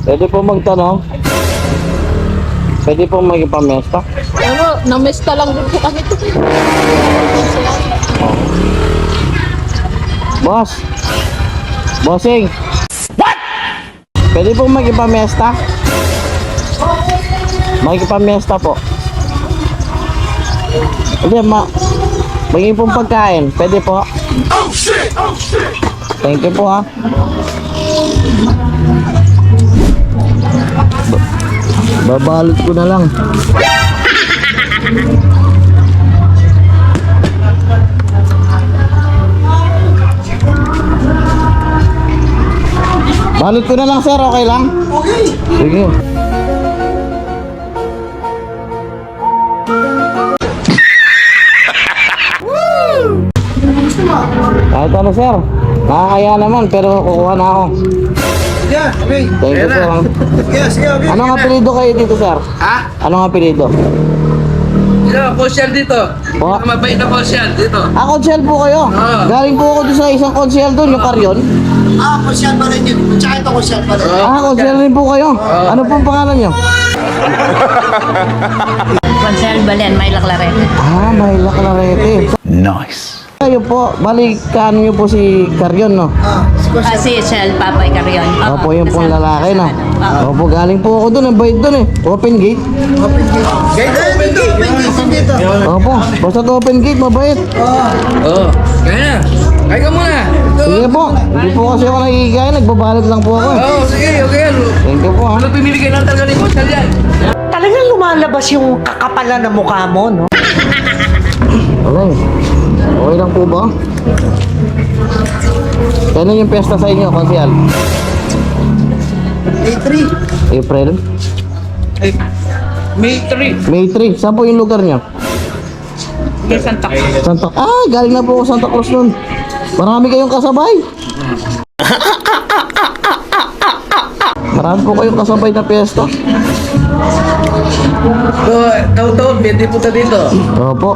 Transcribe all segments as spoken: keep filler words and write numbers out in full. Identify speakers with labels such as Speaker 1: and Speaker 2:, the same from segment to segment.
Speaker 1: Pwede po magtanong. Pwede po magipamesta.
Speaker 2: Pero, namesta lang din po kami ito.
Speaker 1: Boss. Bossing. What? Pwede po magipamesta? Magipamesta po. Hindi, ma... Maging pong pagkain. Pwede po. Oh shit! Oh shit! Thank you po ha. Babalot ko na lang. Balot ko na lang sir, okay lang? Okay. Sige. Kahit ano sir, nakakaya naman pero kukuha na ako.
Speaker 3: Yeah, okay.
Speaker 1: Thank you sir.
Speaker 3: Yes, yeah, okay.
Speaker 1: Anong apelido kayo dito sir?
Speaker 4: Ha?
Speaker 1: Anong apelido?
Speaker 4: Sino, konsyal dito.
Speaker 1: Po?
Speaker 4: Mabait na konsyal dito.
Speaker 1: Ah, konsyel po kayo?
Speaker 4: Oo.
Speaker 1: Galing po ako doon sa isang konsyel doon, yung Karyon.
Speaker 3: Ah, kusyal pa rin yun. Tsaka ito kusyal pa rin.
Speaker 1: Ah, konsyel rin po kayo. Ano pong pangalan nyo?
Speaker 5: Consel Balen, may laklarete.
Speaker 1: Ah, may laklarete.
Speaker 6: Nice.
Speaker 1: Kayo po, balikan nyo po si Karyon, no?
Speaker 3: Ah, si
Speaker 5: Ah,
Speaker 3: kusyal.
Speaker 5: si Shell Papay Carrion.
Speaker 1: Opo, yung pong lalaki, no? Opo, galing po ako doon, ang bait doon eh. Open gate.
Speaker 3: Open gate. Gate, open gate. Open gate dito.
Speaker 1: Opo, basta open gate, mabait.
Speaker 4: Oo. Oh. Kaya na. Kaya ka muna. Ito.
Speaker 1: Sige po, hindi po kasi ako nakikigaya, nagbabalot lang po ako eh.
Speaker 4: Oo, oh, sige. Okay yan.
Speaker 1: Thank you po ha.
Speaker 4: Ano pimili kayo ng talaga ni konsyal yan?
Speaker 7: Talagang lumalabas yung kakapalan ng mukha mo, no?
Speaker 1: Alay, okay lang po ba? Kailan yung pesta sa inyo, konsyal?
Speaker 3: Day three.
Speaker 1: April?
Speaker 4: Ay, May three.
Speaker 1: May three. Saan po yung lugar niyo?
Speaker 5: Kay Santa Cruz.
Speaker 1: Santa... Ah, galing na po ako Santa Cruz nun. Marami kayong kasabay. Marami po kayong kasabay na pesta.
Speaker 4: So, taon-taon, pwede punta dito.
Speaker 1: Opo.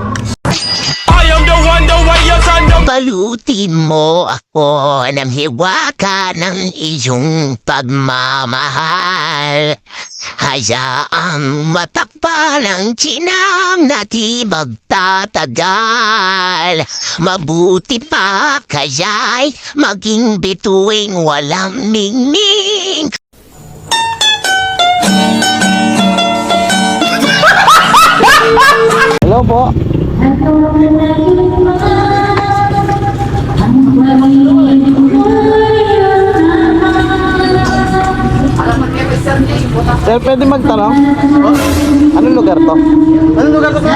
Speaker 8: Balutin mo ako ng hiwaka ng iyong pagmamahal. Hayaang matakpan ang chinang na di magtatagal. Mabuti pa kaya'y maging bituing walang ningning.
Speaker 1: Hello po. Sir, pwede magtanong? Anong lugar to?
Speaker 3: Anong lugar to?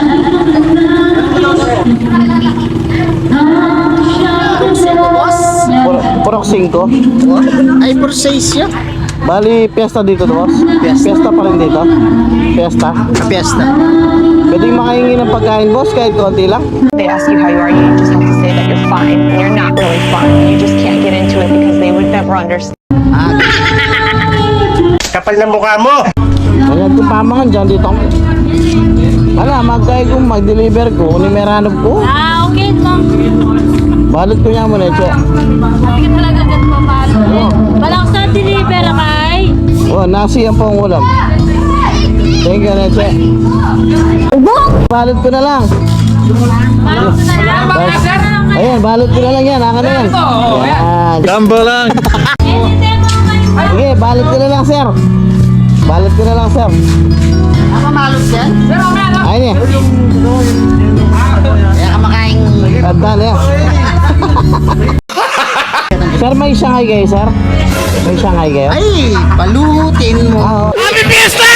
Speaker 1: Pur Purok cinco.
Speaker 3: Ay, for seis yun.
Speaker 1: Bali, piyesta dito, boss? Piyesta pa rin dito? Piyesta?
Speaker 3: Fiesta.
Speaker 1: Pwede makahingi ng pagkain, boss, kahit konti lang?
Speaker 9: They ask you how you are, you just have to say that you're fine. And you're not really fine. You just can't get into it because they would never understand.
Speaker 3: Kapal ng mukha mo.
Speaker 1: Kaya kung pamangan dyan, dito ako. Wala, magkaya kong mag-deliver ko, unimeranov ko.
Speaker 2: Ah, okay lang.
Speaker 1: Balot ko niya muna, che.
Speaker 2: Hindi ka talaga ganun papalo. Balak sa deliver kay.
Speaker 1: Oh, nasi yan po ang ulam. Thank you, Neche. Balot ko na lang.
Speaker 2: Balak sa na lang.
Speaker 1: Ayan, balot ko na lang yan. Aka na yan. Yan.
Speaker 6: Gamba lang.
Speaker 1: Sige, balot ko na lang, sir. Balot ko na lang, sir.
Speaker 3: Ako malot yan.
Speaker 1: Ayun eh.
Speaker 3: Kaya ka makain.
Speaker 1: Tanda na yan. Sir, may Shanghai kayo, sir? May Shanghai kayo?
Speaker 3: Ay, balutin mo.
Speaker 1: Ah, oh.
Speaker 3: Ito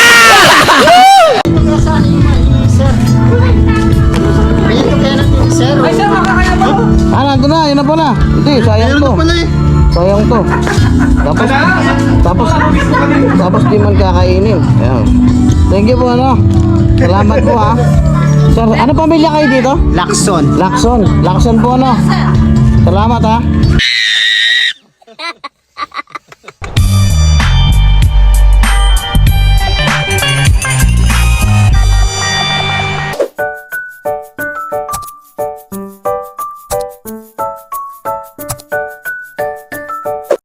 Speaker 3: kaya natin, sir. Ay, sir,
Speaker 1: Ah, nandun na. Yun na pala. Hindi, sayang to.
Speaker 3: pala eh.
Speaker 1: Sayang to. Tapos, tapos, tapos di man kakainin. Ayan. Thank you po, ano. Salamat po, ha. Sir, ano pamilya kayo dito?
Speaker 3: Lakson.
Speaker 1: Lakson. Lakson po, ano. Salamat, ha.